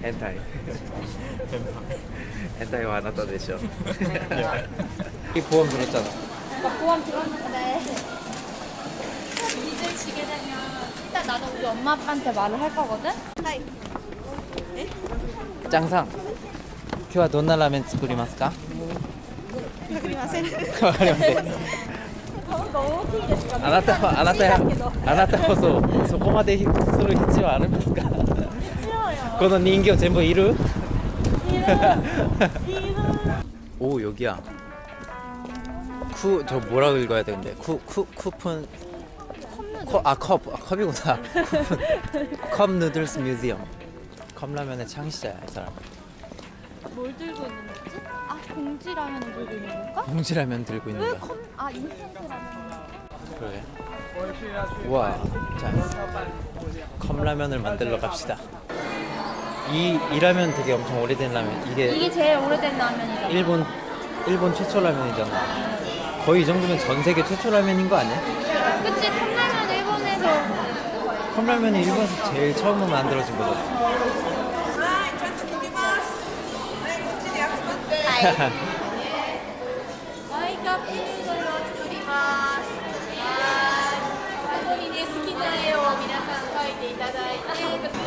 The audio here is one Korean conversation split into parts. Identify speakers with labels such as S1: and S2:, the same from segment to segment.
S1: 変態変態はあなたでしょ이 보험 들었잖아.
S2: 보험 들었는데 이제 지게 되면 일단 나도 우리 엄마 아빠한테 말을 할 거거든?
S1: 짱상. 今日はどんなラーメン作りますか?
S2: わかりません
S1: わかりません。
S2: 大きいですか？
S1: あなたこそこまでする必要ありますか?この人形全部いる? 오 여기야. 저 뭐라고 읽어야 되는데? 쿠폰 컵이구나. 컵 누들스 뮤지엄. 컵라면의 창시자야 이 사람.
S2: 뭘 들고 있는 거지? 아 봉지라면을 들고 있는 건가?
S1: 봉지라면 들고 있는
S2: 왜
S1: 거야.
S2: 인스턴트 라면
S1: 그래. 우와. 자, 컵라면을 만들러 갑시다. 이 라면 되게 엄청 오래된 라면.
S2: 이게 제일 오래된 라면이잖아.
S1: 일본 최초 라면이잖아. 거의 이 정도면 전 세계 최초 라면인 거 아니야?
S2: 그치 컵라면 일본에서
S1: 컵라면이 일본에서 제일 처음 만들어진 거잖아.
S2: 마이크업ヌードルを作ります。ここにね好きな絵を皆さん描いていただいて。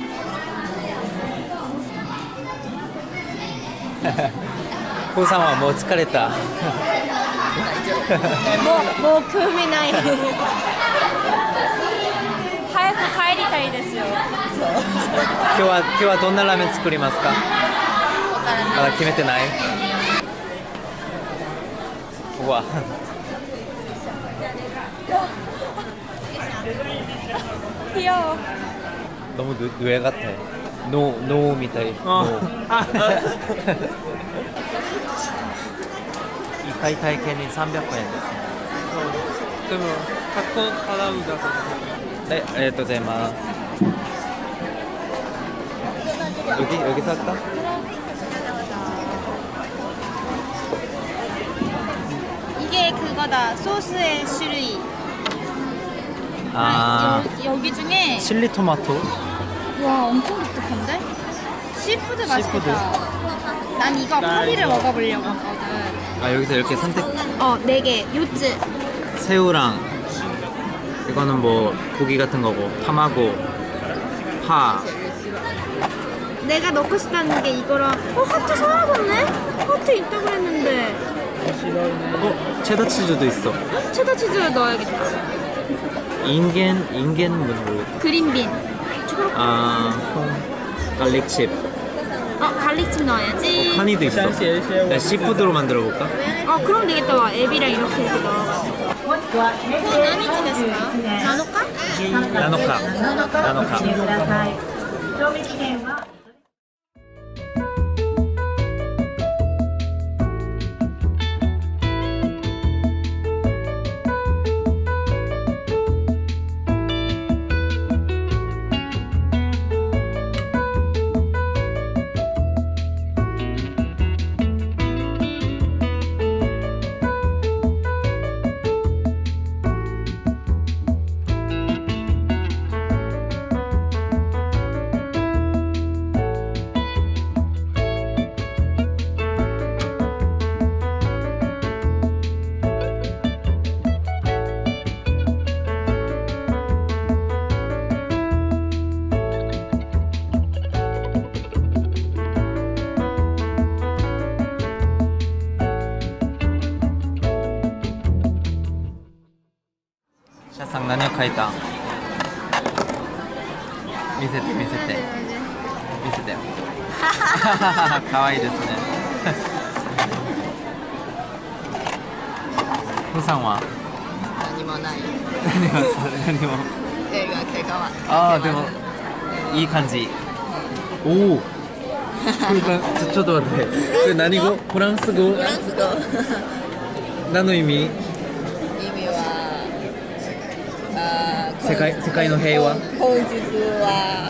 S1: コウさんはもう疲れた。
S2: もう興味ない。早く帰りたいですよ。
S1: 今日はどんなラーメン作りますか？まだ決めてない? 우와.
S2: 귀여워.
S1: 너무 뇌 같아. 노みたい. 이回体験に300円ですね.
S3: でも100個払うんだそうです。
S1: 네, ありがとうございます. 여기서 할까?
S2: 이게 그거다. 소스의種類.
S1: 아,
S2: 여기 중에
S1: 칠리 토마토.
S2: 와 엄청 독특한데? 시푸드 맛있겠다. 난 이거 파리를 먹어보려고 하거든.
S1: 아, 여기서 이렇게 선택.
S2: 4개, 요츠.
S1: 새우랑 이거는 뭐 고기 같은 거고, 타마고, 파.
S2: 내가 넣고 싶다는 게 이거랑 하트 사라졌네? 하트 있다고 했는데
S1: 체다 치즈도 있어.
S2: 체다 치즈를 넣어야겠다.
S1: 인겐은 모르겠다.
S2: 그린빈.
S1: 아, 갈릭칩.
S2: 갈릭칩 넣어야지.
S1: 카니도 있어. 나 시푸드로 만들어 볼까?
S2: 그럼 되겠다. 와 앱이랑 이렇게 넣어가지고. 그거何日ですか? 나노카?
S1: 나노카. 샤상何を描いた? 見せて見せてよかわいいですねふーさんは
S4: 何もない。
S1: 何も
S4: 映画結果は。
S1: ああでもいい感じおおちょっと待ってこれ何語フランス語
S4: フランス語。
S1: 何の意味
S4: 意味は
S1: 世界の平和
S4: 本日は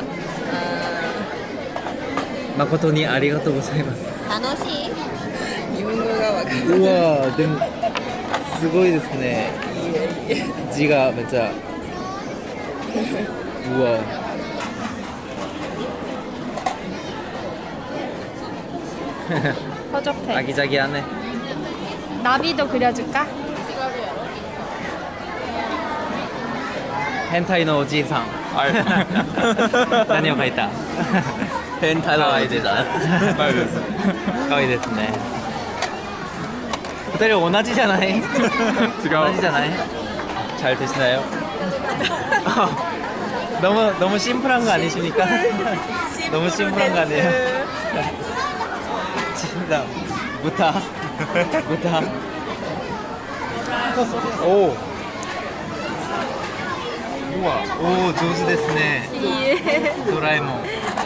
S1: 誠にありがとうございます
S4: 楽しい日本語がわかる
S1: うわーでもすごいですね字がめっちゃうわ
S5: 허접해.
S1: 아기자기하네.
S5: 나비도 그려줄까?
S1: 헨타이のおじいさん。何を描いた？変態のおじいさん。可愛いです。可愛いですね。二人同じじゃない？違う。同じじゃない？잘 드시나요? 너무 심플한 거 아니십니까? 너무 심플한 거 아니에요? 진짜 무타 무타. 오. 우와. 오, 上手ですね. 도라에몽.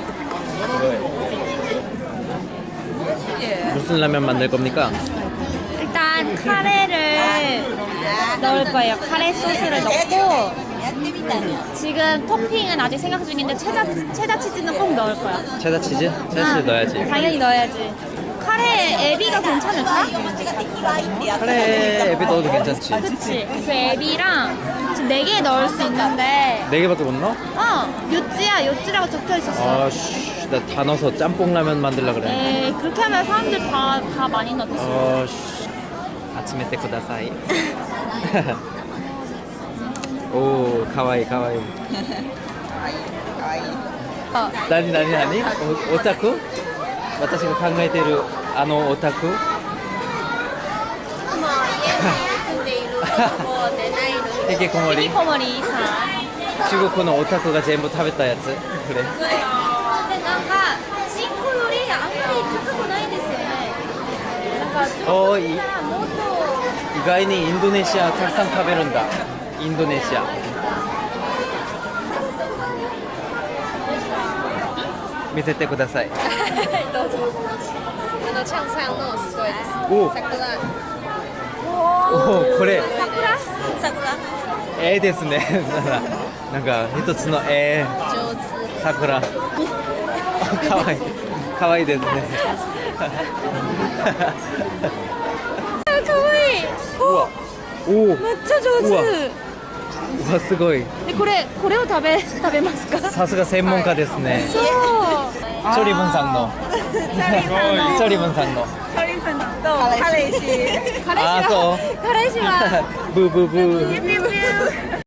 S1: 무슨 라면 만들 겁니까?
S5: 일단 카레를 넣을 거예요. 카레 소스를 넣고 지금 토핑은 아직 생각 중인데 체다 치즈는 꼭 넣을 거야.
S1: 체다 치즈? 체다 치즈 넣어야지.
S5: 당연히 넣어야지. 카레 에비가 괜찮을까?
S1: 카레 앱에 넣어도 괜찮지.
S5: 그치. 그 에비랑 지금 4개 넣을 수 있는데
S1: 4개밖에 못 넣어?
S5: 요찌야. 요찌라고 적혀 있었어.
S1: 아씨, 나 다 넣어서 짬뽕 라면 만들라 그래.
S5: 에이, 그렇게 하면 사람들 다 많이 넣지.
S1: 아씨. 아침에 때 쿠다사이. 오, 가와이 가와이. 나니? 오타쿠? 私が考えているあのオタク？
S2: もう家に住んでいるもう寝ないので
S1: 引きこもり？
S5: 히키코모리 사.
S1: 中国のオタクが全部食べたやつ？これ。
S5: 근데 뭔가 친구 요리あんまり高くないですよね。なんか
S1: おー、
S5: もっと
S1: 意外にインドネシアたくさん食べるんだ。インドネシア。見せてください。
S2: どうぞチャンさんのすごいです
S1: おお、
S2: 桜
S1: おお、これ
S2: 桜
S1: 絵ですね。なんか一つの絵。
S2: 上手
S1: 桜。あ、かわいい。かわいいですね。
S5: かわいい。
S1: うわ、おお、
S5: めっちゃ上
S1: うわ
S5: 手。
S1: うわすごい。
S5: でこれを食べますか？
S1: さすが専門家ですね。
S5: そう。
S1: チョリブンさんの。チョリブンさんの。
S5: 彼
S1: あ、そう。
S5: 彼氏は
S1: ブーブーブー。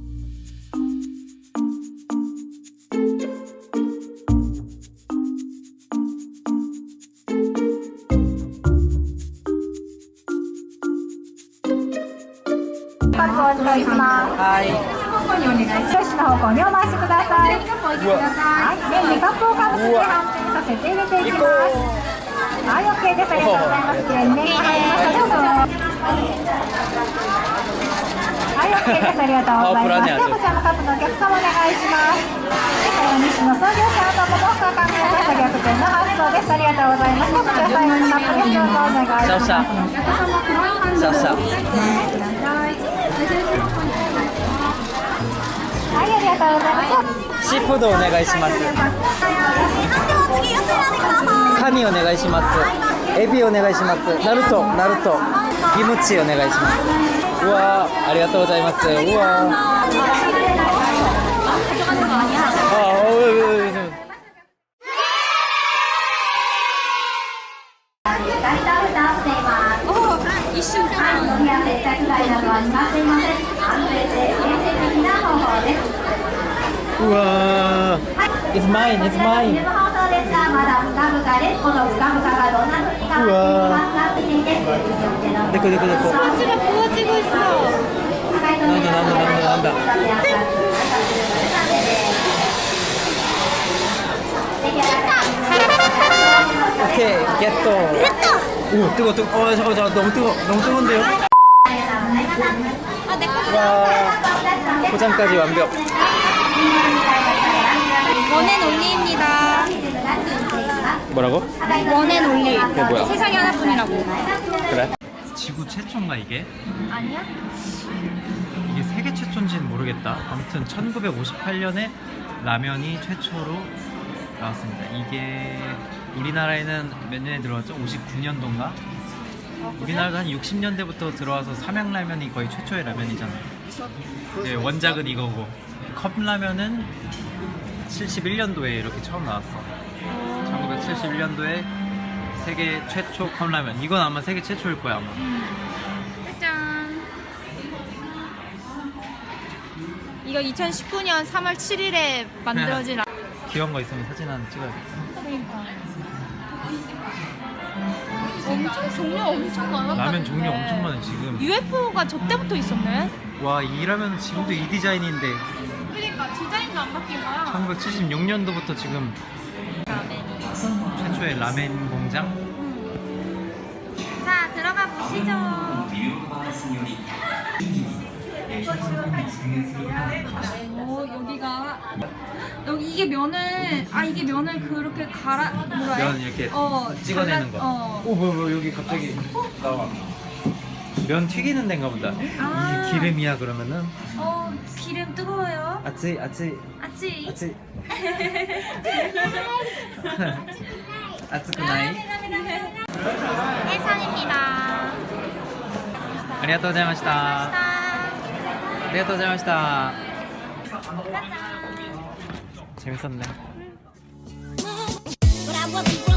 S1: はい。
S6: 少子の方向にお回しください。はい、麺にカップをかぶせて半中にさせて入れていきます。はい、OK です。ありがとうございます。きれいに麺が入りました。どうぞ。はい、OK です。ありがとうございます。ではこちらのカップのお客様お願いします。西野創業者ともさん考えた逆転の発想です。ありがとうございます。こちら最後にカップです。どうぞお願いします。
S1: シャッシャ。
S6: はい、ありがとうございます。
S1: シーフードお願いします。カニお願いします。エビお願いします。ナルト、キムチお願いします。うわー、ありがとうございます。うわー。あ、おい。
S5: 一瞬間。
S1: うわー。It's mine. うわー。でこ。
S5: こっちがこっちごしそう。
S1: なんだ。オッケー、ゲット。お、뜨거. 잠깐, 너무 뜨거운데요? 와, 포장까지 완벽.
S5: 원앤올리입니다.
S1: 뭐라고?
S5: 원앤올리.
S1: 그게 뭐야?
S5: 세상에 하나뿐이라고.
S1: 그래? 지구 최초인가 이게?
S5: 아니야?
S1: 이게 세계 최초인지는 모르겠다. 아무튼 1958년에 라면이 최초로 나왔습니다. 이게 우리나라에는 몇 년에 들어왔죠? 59년도인가? 우리나라도 한 60년대부터 들어와서 삼양라면이 거의 최초의 라면이잖아요. 네, 원작은 이거고 컵라면은 71년도에 이렇게 처음 나왔어. 1971년도에 세계 최초 컵라면. 이건 아마 세계 최초일 거야 아마.
S5: 짠. 이거 2019년 3월 7일에 만들어진
S1: 귀여운 거 있으면 사진 하나 찍어야겠다.
S5: 그러니까. 엄청 종류 엄청 많았다.
S1: 라면 종류 엄청 많아 지금.
S5: UFO가 저 때부터 있었네.
S1: 와, 이 라면 지금도 이 디자인인데
S5: 그러니까 디자인도 안 바뀐 거야.
S1: 1976년도부터 지금 최초의 라멘 공장.
S5: 자, 들어가 보시죠. 오, 여기 이게 면을 이게 면을 그렇게 갈아 뭐라 해?
S1: 면 이렇게 찍어내는 거.
S5: 어.
S1: 오, 뭐 여기 갑자기 나와. 면 튀기는 데인가 보다.
S5: 아.
S1: 이 기름이야 그러면은.
S5: 기름 뜨거워요.
S1: 아찌 아찌
S5: 아치.
S1: 아찌. 아츠쿠나이.
S5: 해산입니다.
S1: 아리가또 고자이마시타. 아리가또 고자이마시타. 재밌었네.
S7: But I wasn't